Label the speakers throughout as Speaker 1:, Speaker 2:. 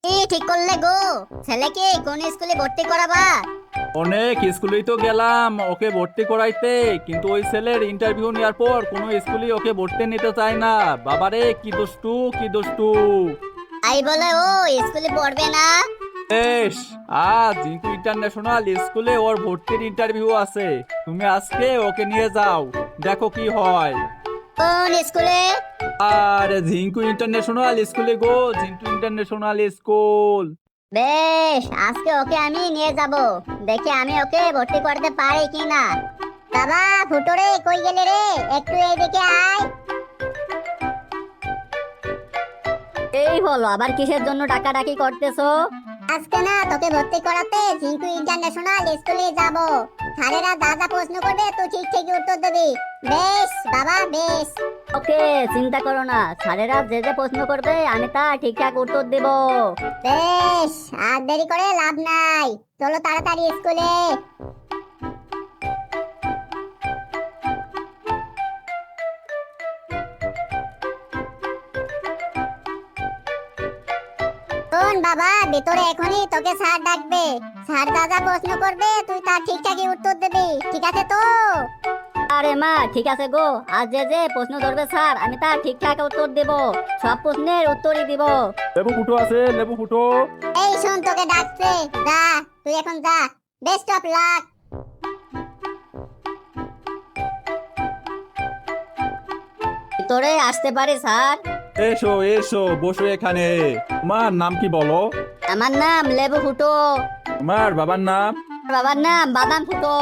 Speaker 1: কি ঠিক করলে গো? ছেলেকে কোন স্কুলে ভর্তি করাবা?
Speaker 2: অনেক স্কুলেই তো গেলাম ওকে ভর্তি করাইতে, কিন্তু ওই ছেলের ইন্টারভিউ নেওয়ার পর কোনো স্কুলই ওকে ভর্তি নিতে চায় না। বাবারে কি দুষ্টু কি দুষ্টু।
Speaker 1: তাই বলে ও স্কুলে পড়বে না?
Speaker 2: বেশ, আজ জিঙ্কু ইন্টারন্যাশনাল স্কুলে ওর ভর্তির ইন্টারভিউ আছে। তুমি আজকে ওকে নিয়ে যাও, দেখো কি হয়।
Speaker 1: কোন স্কুলে?
Speaker 2: আরে ঝিঙ্কু ইন্টারন্যাশনাল স্কুলে গো, ঝিঙ্কু ইন্টারন্যাশনাল স্কুল।
Speaker 1: বেশ, আজকে ওকে আমি নিয়ে যাব। দেখি আমি ওকে ভর্তি করতে পারি কিনা। বাবা, ফুটোরে কই গেলে রে? একটু এইদিকে আয়। এই হলো, আবার কিসের জন্য ডাকাডাকি করতেছো? আজকে না তোকে ভর্তি করাতে জিঙ্কু ইন্টারন্যাশনাল স্কুলে যাব। স্যারেরা যা যা প্রশ্ন করবে তুই ঠিক ঠিকই উত্তর দিবি। বেশ বাবা, বেশ। ওকে, চিন্তা করো না, স্যারেরা যে যে প্রশ্ন করবে আমি তা ঠিকঠাক উত্তর দেব। বেশ, আর দেরি করে লাভ নাই। চলো তাড়াতাড়ি স্কুলে। শোন বাবা, ভিতরে এখনই তোকে স্যার ডাকবে। স্যার যা যা প্রশ্ন করবে তুই তার ঠিকঠাকই উত্তর দিবি, ঠিক আছে তো? আরে মা, ঠিক আছে গো। আজ যে যে প্রশ্ন ধরবে স্যার আমি তার ঠিকঠাক উত্তর দেব। সব প্রশ্নের উত্তরই দিব।
Speaker 2: লেবু ফুটো আছে, লেবু ফুটো।
Speaker 1: এই শোন, তোকে ডাকছে, যা। তুই এখন যা। Best of luck. ভিতরে আসতে পারি স্যার?
Speaker 2: এসো এসো, বসো এখানে। তোমার নাম কি বলো?
Speaker 1: আমার নাম লেবু ফুটো।
Speaker 2: তোমার বাবার নাম?
Speaker 1: বাবার নাম বাদাম ফুটো।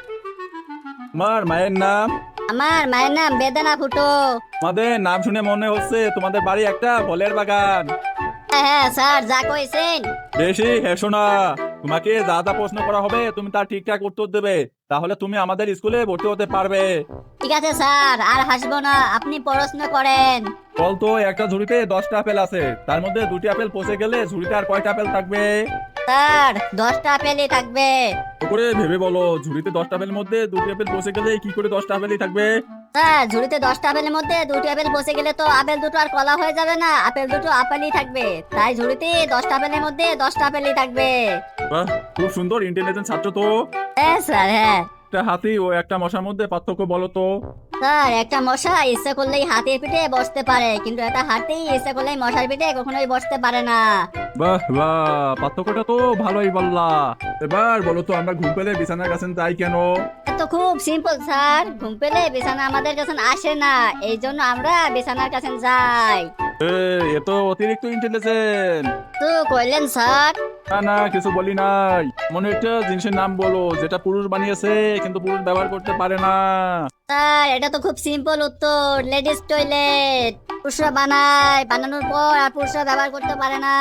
Speaker 2: তোমার মায়ের নাম?
Speaker 1: আমার মায়ের নাম বেদানা ফুটো।
Speaker 2: তোমাদের নাম শুনে মনে হচ্ছে তোমাদের বাড়ি একটা ফলের বাগান।
Speaker 1: হ্যাঁ হ্যাঁ স্যার, যা কইছেন।
Speaker 2: বেশি হেসো না। তোমাকে যা যা প্রশ্ন করা হবে তুমি তার ঠিকঠাক উত্তর দেবে, তাহলে তুমি আমাদের স্কুলে ভর্তি হতে পারবে।
Speaker 1: ঠিক আছে স্যার, আর হাসবো না, আপনি পড়াশোনা করেন।
Speaker 2: বলতো একটা ঝুড়িতে 10টা আপেল আছে, তার মধ্যে 2টি আপেল পচে গেলে ঝুড়িতে আর কয়টা আপেল থাকবে?
Speaker 1: স্যার, 10টা আপেলই থাকবে।
Speaker 2: তো করে ভেবে বলো, ঝুড়িতে 10টা আপেলের মধ্যে 2টি আপেল পচে গেলে কি করে 10টা আপেলই থাকবে?
Speaker 1: স্যার, ঝুড়িতে 10টা আপেলের মধ্যে 2টি আপেল পচে গেলে তো আপেল দুটো আর কলা হয়ে যাবে না, আপেল দুটো আপেলই থাকবে। তাই ঝুড়িতে 10টা আপেলের মধ্যে 10টা আপেলই থাকবে।
Speaker 2: বাহ, খুব সুন্দর, ইন্টেলিজেন্ট ছাত্র তো।
Speaker 1: হ্যাঁ স্যার, হ্যাঁ।
Speaker 2: একটা হাতি ও একটা মশার মধ্যে পার্থক্য বলো তো।
Speaker 1: স্যার, একটা মশা ইচ্ছা করলেই হাতির পিঠে বসতে পারে, কিন্তু একটা হাতি ইচ্ছা করলেই মশার পিঠে কখনোই বসতে পারে না।
Speaker 2: বাহ বাহ, পার্থক্যটা তো ভালোই বললা। এবার বলো তো, আমরা ঘুম পেলে বিছানার কাছে যাই কেন?
Speaker 1: তো খুব সিম্পল স্যার, ঘুম পেলে বিছানা আমাদের কাছে আসে না, এই জন্য আমরা বিছানার কাছে যাই।
Speaker 2: এ তো অতিরিক্ত ইন্টেলিজেন্ট।
Speaker 1: তো কইলেন স্যার?
Speaker 2: না না, কিছু বলি নাই। মনে একটা জিনিসের নাম বলো যেটা পুরুষ বানিয়েছে কিন্তু পুরুষ ব্যবহার করতে পারে না।
Speaker 1: স্যার, এটা তো খুব সিম্পল উত্তর, লেডিস টয়লেট। পুরুষরা বানায়, বানানোর পর আর পুরুষরা ব্যবহার করতে পারে না।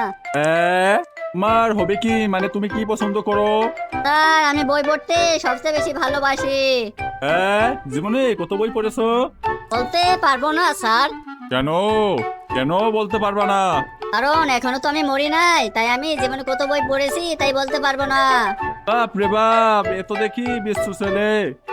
Speaker 2: তোমার হবে কি, মানে তুমি কি পছন্দ করো?
Speaker 1: স্যার, আমি বই পড়তে সবচেয়ে বেশি ভালোবাসি।
Speaker 2: জীবনে কত বই পড়েছো?
Speaker 1: বলতে পারবো না স্যার।
Speaker 2: কেন? কেন বলতে পারবা না?
Speaker 1: কারণ এখনো তো আমি মরি নাই, তাই আমি জীবনে কত বই পড়েছি তাই বলতে পারবো না।
Speaker 2: বাপ রে বাপ, এ তো দেখি বিশ্ব ছেলে।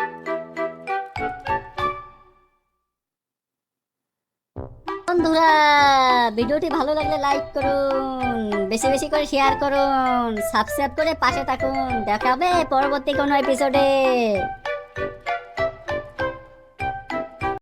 Speaker 1: বন্ধুরা, ভিডিওটি ভালো লাগলে লাইক করুন, বেশি বেশি করে শেয়ার করুন, সাবস্ক্রাইব করে পাশে থাকুন। দেখা হবে পরবর্তী কোনো এপিসোডে।